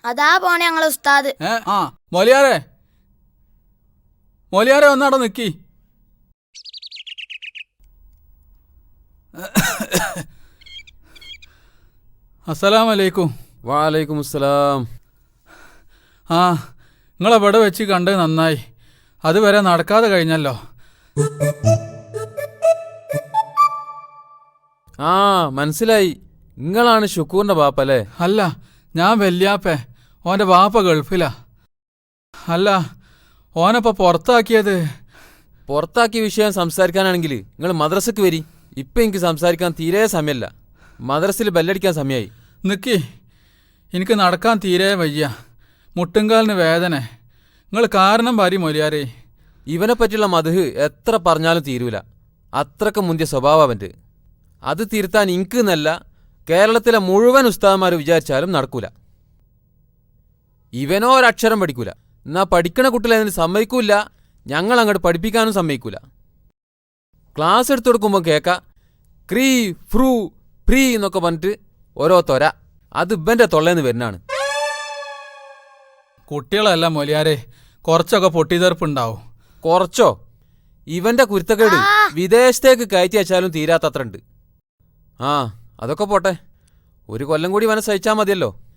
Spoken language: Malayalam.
അതാ പോണേ ഞങ്ങളെ ഉസ്താദ്. ആ മൊലിയാരെ മൊലിയാരെ ഒന്നവിടെ നിക്കി. അസ്സലാമലൈക്കും. വാലൈക്കും അസ്സലാം. ആ നിങ്ങളെവിടെ വെച്ച് കണ്ടത് നന്നായി. അതുവരെ നടക്കാതെ കഴിഞ്ഞല്ലോ. ആ മനസ്സിലായി, നിങ്ങളാണ് ഷുക്കൂറിന്റെ ബാപ്പല്ലേ? അല്ല, ഞാൻ വല്യാപ്പേ. ഓൻ്റെ വാപ്പ ഗൾഫിലാ. അല്ല, ഓനപ്പോ പുറത്താക്കിയത്? പുറത്താക്കിയ വിഷയം സംസാരിക്കാനാണെങ്കിൽ നിങ്ങൾ മദ്രസക്ക് വരി. ഇപ്പം എനിക്ക് സംസാരിക്കാൻ തീരെ സമയമല്ല. മദ്രസിൽ ബെല്ലടിക്കാൻ സമയമായി. നിക്കി, എനിക്ക് നടക്കാൻ തീരെ വയ്യ. മുട്ടുംകാലിന് വേദന. നിങ്ങൾ കാരണം ഭാര്യ മൊലിയാരേ. ഇവനെ പറ്റിയുള്ള മദ്ഹ് എത്ര പറഞ്ഞാലും തീരൂല. അത്രക്ക് മുന്തിയ സ്വഭാവം അവൻ്റെ. അത് തിരുത്താൻ എനിക്ക് എന്നല്ല, കേരളത്തിലെ മുഴുവൻ ഉസ്താദന്മാർ വിചാരിച്ചാലും നടക്കൂല. ഇവനോ ഒരക്ഷരം പഠിക്കൂല. എന്നാ പഠിക്കണ കുട്ടികളെ അതിന് സമ്മതിക്കൂല. ഞങ്ങൾ അങ്ങോട്ട് പഠിപ്പിക്കാനും സമ്മതിക്കൂല. ക്ലാസ് എടുത്തു കൊടുക്കുമ്പോൾ കേൾക്ക ക്രീ ഫ്രൂ ഫ്രീ എന്നൊക്കെ പറഞ്ഞിട്ട് ഓരോ തൊര. അത് ഇവൻ്റെ തൊള്ളേന്ന് വരുന്നതാണ്. കുട്ടികളല്ല മൊലിയാരെ, കുറച്ചൊക്കെ പൊട്ടിത്തെറുപ്പുണ്ടാവും. കുറച്ചോ? ഇവന്റെ കുരുത്തക്കേട് വിദേശത്തേക്ക് കയറ്റി അയച്ചാലും തീരാത്തത്ര ഉണ്ട്. ആ അതൊക്കെ പോട്ടെ, ഒരു കൊല്ലം കൂടി ഇവനെ സഹിച്ചാൽ മതിയല്ലോ.